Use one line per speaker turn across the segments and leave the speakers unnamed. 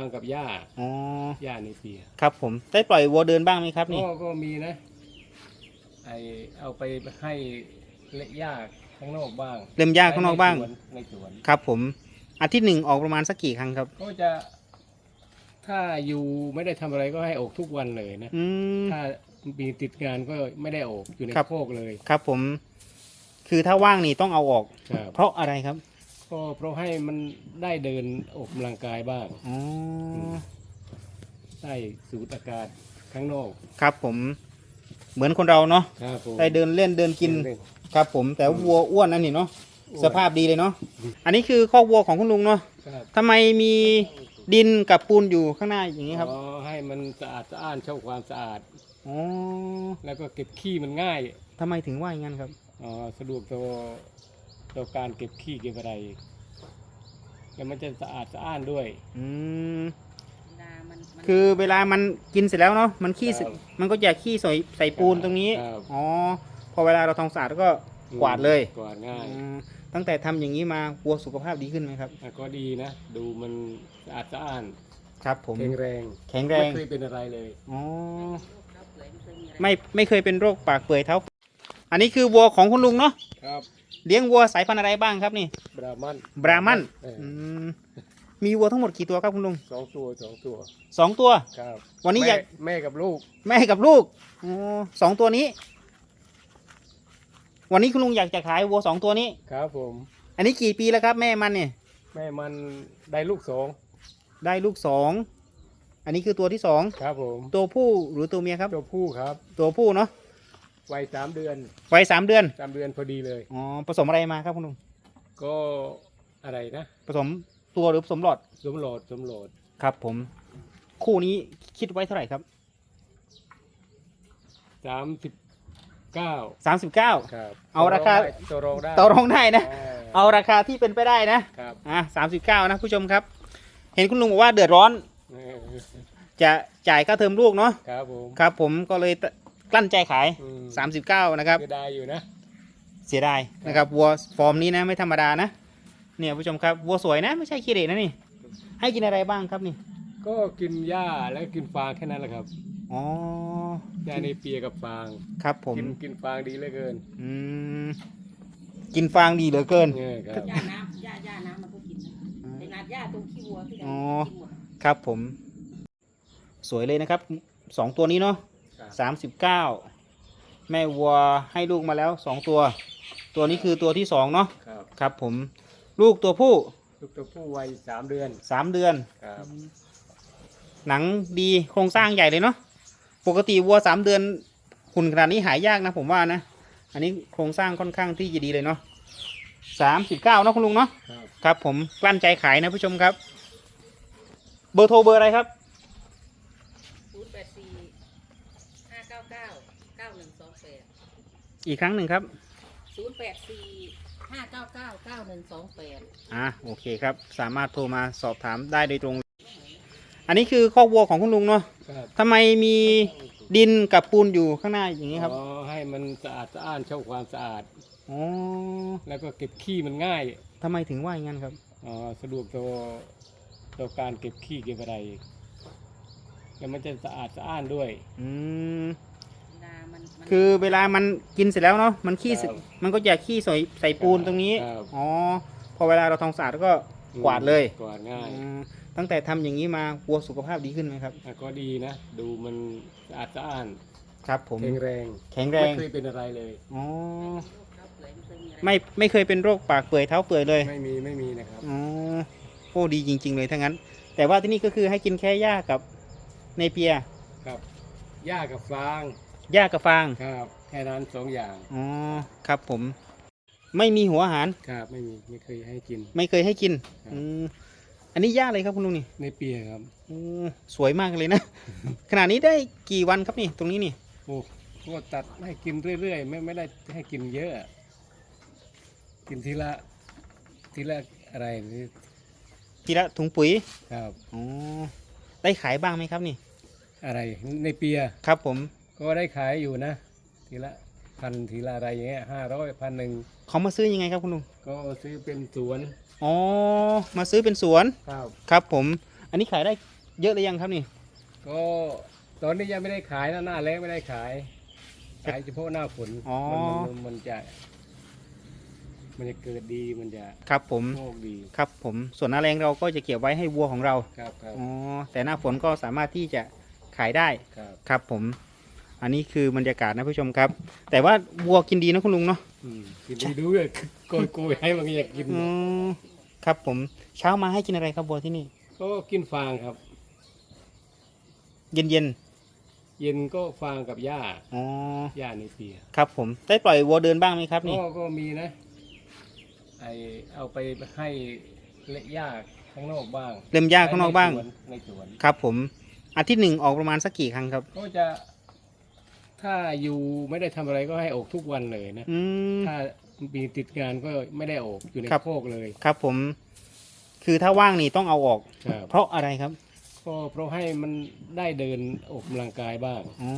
กับหญ้า
อ๋อ
หญ้าในเปีย
ครับผมได้ปล่อยวัวเดินบ้างไหมครับนี่
ก็มีนะเอาไปให้เละหญ้าข้างนอกบ้าง
เล็มหญ้าข้างนอกบ้าง
ในสวน
ครับผมอาทิตย์หนึ่งออกประมาณสักกี่ครั้งครับ
ก็จะถ้าอยู่ไม่ได้ทำอะไรก็ให้ออกทุกวันเลยนะถ้ามีติดงานก็ไม่ได้ออกอยู่ในโคกเลย
ครับผมคือถ้าว่างนี่ต้องเอาออกเพราะอะไรครับ
ก็เพราะให้มันได้เดินออกกำลังกายบ้างได้สูดอากาศข้างนอก
ครับผมเหมือนคนเราเนาะได้เดินเล่นเดินกินครับผมแต่วัวอ้วนนั่นนี่เนาะสภาพดีเลยเนาะอันนี้คือคอกวัวของคุณลุงเนาะทำไมมีดินกับปูนอยู่ข้างหน้าอย่างนี้ครับ
ให้มันสะอาดสะอ้านเช่าความสะอาดแล้วก็เก็บขี้มันง่าย
ทำไมถึงว่าอย่างนั้นครับ
สะดวกต่อการเก็บขี้เก็บอะไรแล้วมันจะสะอาดสะอ้านด้วย
คือเวลามันกินเสร็จแล้วเนาะมันขี้มันก็จะขี้ใส่ปูนตรงนี้อ๋อพอเวลาเราทำสะอาดก็กวาดเลย
กวาดง่าย
ตั้งแต่ทำอย่างนี้มาวัวสุขภาพดีขึ้นไหมครับ
ก็ดีนะดูมันสะอาดสะอ้าน
ครับผม
แข็งแรงไม่เคยเป็นอะไรเลย
อ๋อไม่เคยเป็นโรคปากเปื่อยเท้าอันนี้คือวัวของคุณลุงเนาะ
ครับ
เลี้ยงวัวสายพันธุ์อะไรบ้างครับนี่
บรา
มันมีวัวทั้งหมดกี่ตัวครับคุณลุง
2 ตัว
ครับวันนี้
แม่กับลูก
2 ตัวนี้วันนี้คุณลุงอยากจะขายวัว2 ตัวนี้
ครับผม
อันนี้กี่ปีแล้วครับแม่มันเนี่ย
แม่มันได้ลูก
2อันนี้คือตัวที่2
ครับผม
ตัวผู้หรือตัวเมียครับ
ตัวผู้ครับ
ตัวผู้เนาะ
วัย3 เดือน3 เดือนพอดีเลย
อ๋อผสมอะไรมาครับคุณลุง
ก็อะไรนะ
ผสมตัวหรือผสมหลอดครับผมคู่นี้คิดไว้เท่าไหร่ครับ39
ครับ
เอาราคา
ต่อร
องได้นะเอาราคาที่เป็นไปได้นะครับ39นะผู้ชมครับเห็นคุณลุงบอกว่าเดือดร้อนจะจ่ายค่าเทอมลูกเนาะครับผมก็เลยกลั้นใจขาย39นะครับ
เสียดายอยู่นะ
เสียดายนะครับวัวฟอร์มนี้นะไม่ธรรมดานะเนี่ยผู้ชมครับวัวสวยนะไม่ใช่ขี้เหร่นะนี่ให้กินอะไรบ้างครับนี่
ก็กินหญ้าแล้วกินฟางแค่นั้นแหละครับ
อ๋อ
หญ้าในเปียกับฟาง
ครับผม
กินฟางดีเหลือเกิน
กินฟางดีเหลือเกิน
หญ้าน้ำมันก็กินในนาหญ้าตรงขี้วัวที่ไหนกินหมด
ครับผมสวยเลยนะครับ2 ตัวนี้เนาะ39แม่วัวให้ลูกมาแล้ว2 ตัวนี้คือตัวที่2เนาะครับผมลูกตัวผู้
วัย3 เดือน
ครับหนังดีโครงสร้างใหญ่เลยเนาะปกติวัว3 เดือนหุ่นขนาดนี้หายากนะผมว่านะอันนี้โครงสร้างค่อนข้างที่จะดีเลยเนาะ39เนาะคุณลุงเนาะครับผมกลั้นใจขายนะผู้ชมครับเบอร์โทรเบอร์อะไรครับ
084 599 9128
อีกครั้งหนึ่งครับ
084 599 9128
โอเคครับสามารถโทรมาสอบถามได้โดยตรงอันนี้คือคอกวัวของคุณลุงเนาะทำไมมีดินกับปูนอยู่ข้างหน้าอย่างนี้ครับ
ให้มันสะอาดสะอ้านเช่าความสะอาดแล้วก็เก็บขี้มันง่าย
ทำไมถึงว่าอย่างนั้นครับ
สะดวกต่อการเก็บขี้เก็บอะไรแล้วมันจะสะอาดสะอ้านด้วย
คือเวลามันกินเสร็จแล้วเนาะมันขี้มันก็จะขี้ใส่ปูนตรงนี้อ๋อพอเวลาเราทำสะอาดก็กวาดเลย
กวาดง่าย
ตั้งแต่ทำอย่างนี้มาวัวสุขภาพดีขึ้นไหมครับ
ก็ดีนะดูมันสะอาดสะอ้าน
ครับผม
แข็งแรงไม่เคยเป็นอะไรเลย
อ๋อไม่เคยเป็นโรคปากเปื่อยเท้าเปื่อยเลย
ไม่มีนะครับ
อ๋อโอ้ดีจริงๆเลยทั้งนั้นแต่ว่าที่นี่ก็คือให้กินแค่หญ้ากับเนเปีย
ครับหญ้ากับฟางครับแค่นั้น2 อย่าง
อ๋อครับผมไม่มีหัวอาหาร
ครับไม่เคยให้กิน
อันนี้หญ้าอะไรครับคุณลุงนี่
ในเปียครับ
สวยมากเลยนะ ขนาดนี้ได้กี่วันครับนี่ตรงนี้นี่
ก็ตัดให้กินเรื่อยๆไม่ได้ให้กินเยอะกินทีละอะไร
ทีละถุงปุ๋ย
ครับ
ได้ขายบ้างไหมครับนี่
อะไรในเปีย
ครับผม
ก็ได้ขายอยู่นะทีละ1,000ทีละอะไรอย่างเงี้ย500 1,000
เขามาซื้อยังไงครับคุณลุง
ก็ซื้อเป็นสวน
มาซื้อเป็นสวนครับผมอันนี้ขายได้เยอะหรือยังครับนี่
ก็ตอนนี้ยังไม่ได้ขายนะหน้าแล้งไม่ได้ขายเฉพาะหน้าฝน
อ๋อ
มันจะเกิดดีมันจะ
ครับผม
โชคดี
ครับผมส่วนหน้าแรงเราก็จะเก็บไว้ให้วัวของเรา
ครับครับ
อ๋อแต่หน้าฝนก็สามารถที่จะขายได้
ครับ
ครับผมอันนี้คือบรรยากาศนะผู้ชมครับ แต่ว่าวัวกินดีนะคุณลุงเนาะ
กินดูเลยโกยให้มันอยากกิน
อืมครับผมเช้ามาให้กินอะไรครับวัวที่นี่
ก็กินฟางครับ
เย็นเย็น
เย็นก็ฟางกับหญ้า
ๆอ๋อ
หญ้าในเปีย
ครับผมได้ปล่อยวัวเดินบ้างไหมครับนี่
ก็มีนะเอาไปให้เละหญ้าข้างนอกบ้าง
เล็มหญ้าข้างนอกบ้าง
ในสวน
ครับผมอาทิตย์หนึ่งออกประมาณสักกี่ครั้งครับ
ก็จะถ้าอยู่ไม่ได้ทำอะไรก็ให้ออกทุกวันเลยนะ
อืม
ถ้ามีติดงานก็ไม่ได้ออกอยู่ใน
ครับ
โคกเลย
ครับผมคือถ้าว่างนี่ต้องเอาออก
ครับ
เพราะอะไรครับ
ก็เพราะให้มันได้เดินออกกำลังกายบ้าง
อ๋อ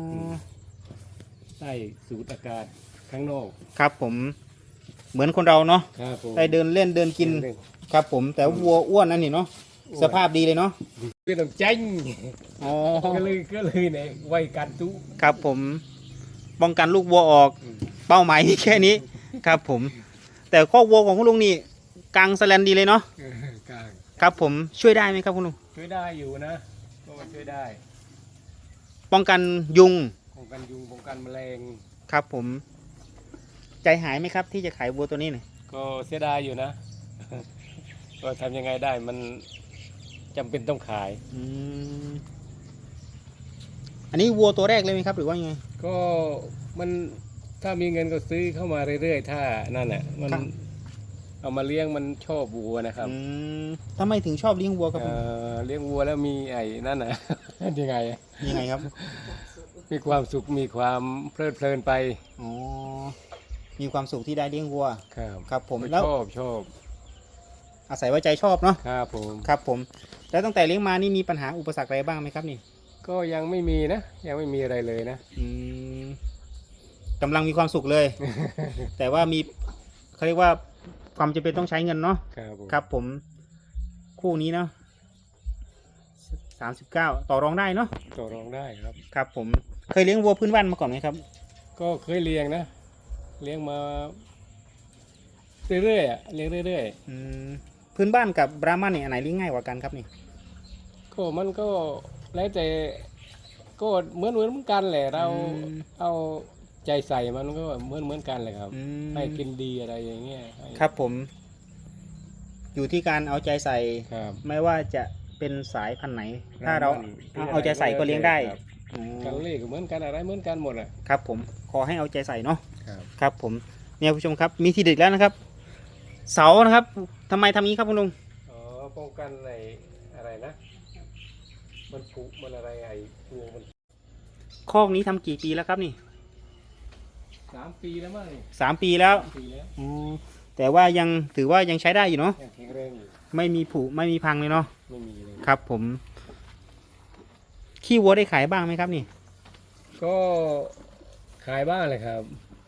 ได้สูดอากาศข้างนอก
ครับผมเหมือนคนเราเนาะ
ครับผม
ได้เดินเล่นเดินกินครับผมแต่วัวอ้วนนั่นนี่เนาะสภาพดีเลยเนาะ
เป็นต้องจัง
อ๋อ
ก็เลยเนี่ยไว้กันทุก
ครับผมป้องกันลูกวัวออก เป้าหมายมีแค่นี้ครับผม แต่ข้อกวัวของคุณลุงนี่กลางสแลนดีเลยเนาะ
กลาง
ครับผมช่วยได้ไหมครับคุณลุง
ช่วยได้อยู่นะก็ช่วยได้
ป้องกันยุง
ป้องกันยุงป้องกันแมลง
ครับผม ใจหายไหมครับ ที่จะขายวัวตัวนี้เนี่ย
ก็เสียดายอยู่นะ ก็ทำยังไงได้มันจำเป็นต้องขาย
อืมอันนี้วัวตัวแรกเลยไหมครับ หรือว่ายังไง
ก็มันถ้ามีเงินก็ซื้อเข้ามาเรื่อยๆถ้านั่นแหละมัน
ครับ
เอามาเลี้ยงมันชอบวัวนะครับ
อืมทำไมถึงชอบเลี้ยงวัวครับ
เลี้ยงวัวแล้วมีไอ้นั่นน่ะ ยังไงอะ
ยังไงครับ
มีความสุขมีความเพลิดเพลินไป
อ๋อมีความสุขที่ได้เลี้ยงวัว
ครับ
ครับผมแล้ว
ชอบ
อาศัยว่าใจชอบเนาะ
ครับผม
ครับผม แล้วตั้งแต่เลี้ยงมานี่มีปัญหาอุปสรรคอะไรบ้างไหมครับนี่
ก็ยังไม่มีนะ ยังไม่มีอะไรเลยนะ
อืมกำลังมีความสุขเลย แต่ว่ามีเขาเรียกว่าความจำเป็นต้องใช้เงินเนาะ
ครับผม
ครับผมคู่นี้เนาะ39ต่อรองได้เนาะ
ต่อรองได้ครับ
ครับผมเคยเลี้ยงวัวพื้นบ้านมาก่อนไหมครับ
ก็เคยเลี้ยงนะ เลี้ยงมาเรื่อยๆอ่ะเลี้ยงเรื่อย
อืมพื้นบ้านกับบราหมันเนี่ยอันไหนเลี้ยงง่ายกว่ากันครับนี่
ๆก็มันก็แล้วแต่ก็เหมือนกันแหละเราเอาใจใส่มันก็เหมือนกันเลยครับ
อืม
ให้กินดีอะไรอย่างเงี้ยให้
ครับผม อยู่ที่การเอาใจใส่
ครับ
ไม่ว่าจะเป็นสายพันธุ์ไหน ถ้าเราเอาใจใส่ก็เลี้ยงได้
ครับ
อ๋อ
กันเลขก็เหมือนกันอะไรเหมือนกันหมดอ่ะ
ครับผมขอให้เอาใจใส่เนาะ
ครับ
ครับผมเนี่ยผู้ชมครับมีทีเด็ดแล้วนะครับ เสานะครับทำไมทำงี้ครับคุณลุง
อ๋อป้องกันอะไรนะ มันผุมันอะไรไอ้ตัวมัน
คอกนี้ทำกี่ปีแล้วครับนี่
3 ปีแล้วมั้งนี่
3 ปีแล้ว
ปีแล้ว
อ๋อแต่ว่ายังถือว่ายังใช้ได้อยู่เนาะ
ยังแข็งแรงอยู่
ไม่มีผุไม่มีพังเลยเนาะ
ไม่มีเลย
ครับผมขี้วัวได้ขายบ้างไหมครับนี่
ก็ขายบ้างเลยครับ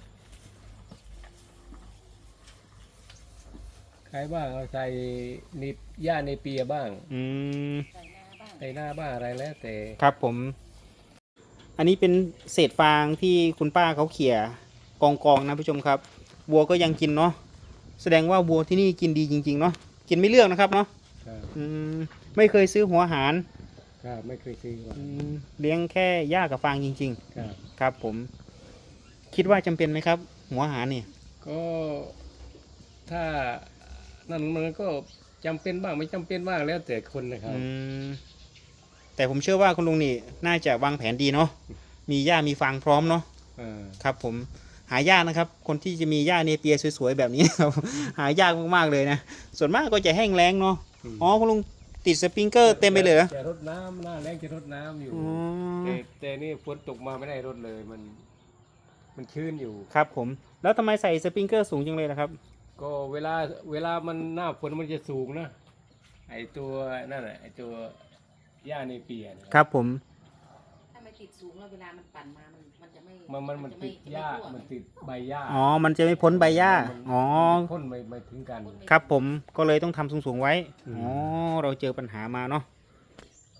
ขายบ้างเอาใส่นิบหญ้าในเปียบ้าง
อืม
ใส่หน้าบ้าง
ใส่หน้าบ้างอะไรแล้วแต่
ครับผม อันนี้เป็นเศษฟางที่คุณป้าเขาเขี่ยกองนะผู้ชมครับ วัวก็ยังกินเนาะแสดงว่าวัวที่นี่กินดีจริงๆเนาะกินไม่เลือกนะครับเนาะ
ครับ
อืมไม่เคยซื้อหัวอาหาร
ครับไม่เคยซื้อมา
เลี้ยงแค่หญ้ากับฟางจริง
ครับ
ๆ ครับผม คิดว่าจำเป็นไหมครับ หัวอาหารเนี่ย
ก็ถ้านั่นมันก็จำเป็นบ้างไม่จำเป็นบ้างแล้วแต่คนนะครับ
อืมแต่ผมเชื่อว่าคุณลุงนี่น่าจะวางแผนดีเนาะมีหญ้ามีฟางพร้อมเนาะ
อ่า
ครับผมหายากนะครับ คนที่จะมีหญ้าเนเปียสวยๆแบบนี้ ครับ หายากมากๆเลยนะส่วนมากก็จะแห้งแล้งเนาะอ๋อคุณลุงติดสปริงเกอร์เต็มไปเลยเหรอ
จะรดน้ำหน้าแรงจะรดน้ำอยู่
อ๋อ
แต่นี่ฝนตกมาไม่ได้รดเลยมันชื้นอยู่
ครับผมแล้วทำไมใส่สปริงเกอร์สูงจังเลยล่ะครับ
ก็เวลามันหน้าฝนมันจะสูงนะไอตัวนั่นแหละไอตัวหญ้าในเปียนะครับ
ผม
ถ้าไม่ติดสูงแล้วเวลามันปั่นมามันจะไม่
มัน
จะ
ติดหญ้า
จะไม่ทั่ว
มันติดใบหญ้า
อ๋อมันจะไม่พ้นใบหญ้าอ๋อ
มันพ่นไม่ถึงกัน
ครับผมก็เลยต้องทำสูงๆไว้
อืม
อ๋อเราเจอปัญหามาเนาะ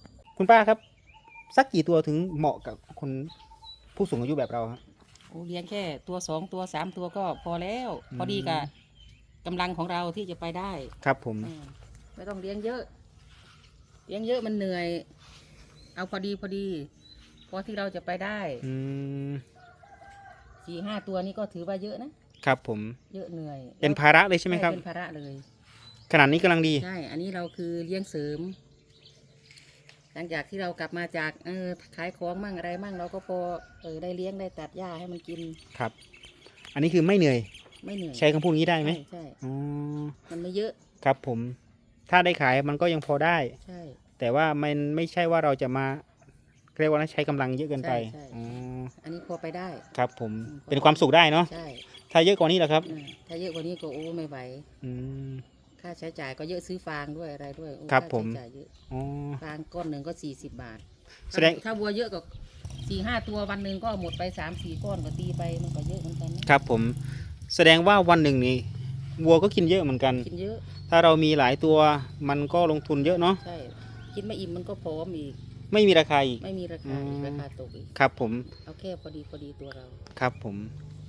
คุณป้าครับ สักกี่ตัวถึงเหมาะกับคนผู้สูงอายุแบบเราครับ
โอ้เลี้ยงแค่ตัว2 ตัว 3 ตัวก็พอแล้ว พอดีกับกำลังของเราที่จะไปได้
ครับผม
ไม่ต้องเลี้ยงเยอะ เลี้ยงเยอะมันเหนื่อย เอาพอดีพอที่เราจะไปได้
อืม
4-5 ตัวนี้ก็ถือว่าเยอะนะครับ
ผม
เยอะเหนื่อย
เป็นภาระเลยใช่ไหมครับ
เป็นภาระเลย
ขนาดนี้กำลังดี
ใช่ อันนี้เราคือเลี้ยงเสริม หลังจากที่เรากลับมาจากขายของมั่งอะไรมั่งเราก็พอได้เลี้ยงได้ตัดหญ้าให้มันกิน
ครับ อันนี้คือไม่เหนื่อย
ไม่เหนื่อย
ใช้คำพูดนี้ได้ไหม
ใช่
อ๋อ
มันไม่เยอะ
ครับผม ถ้าได้ขายมันก็ยังพอได้
ใช่
แต่ว่ามันไม่ใช่ว่าเราจะมาเรียกว่าใช้กำลังเยอะเกินไป
ใช่
อ๋อ
อันนี้พอไปได้
ครับผม
อืม
เป็นความสุขได้เนาะ
ใช่
ถ้าเยอะกว่านี้เหรอครับ
ถ้าเยอะกว่านี้ก็โอ้ไม่ไหว
อืม
ค่าใช้จ่ายก็เยอะซื้อฟางด้วยอะไรด้วยโอ้
ครับ
า
ผม
ใช้จ่ายเยอะ
อ๋อ
ฟางก้อนหนึ่งก็40 บาท
แสดง
ถ้าวัวเยอะก็4-5 ตัววันหนึ่งก็หมดไป3-4 ก้อนก็ตีไปมันก็เยอะเหมือนกันนะครับ
ผม แสดงว่าวันหนึ่งนี่วัวก็กินเยอะเหมือนกัน
กินเยอะ
ถ้าเรามีหลายตัวมันก็ลงทุนเยอะเนาะ
ใช่กินไม่อิ่มมันก็พร้อมอีก
ไม่มีราคาอีก
ไม่มีราคาอีกราคาตกอีก
ครับผม
เอาแค่พอดีตัวเรา
ครับผม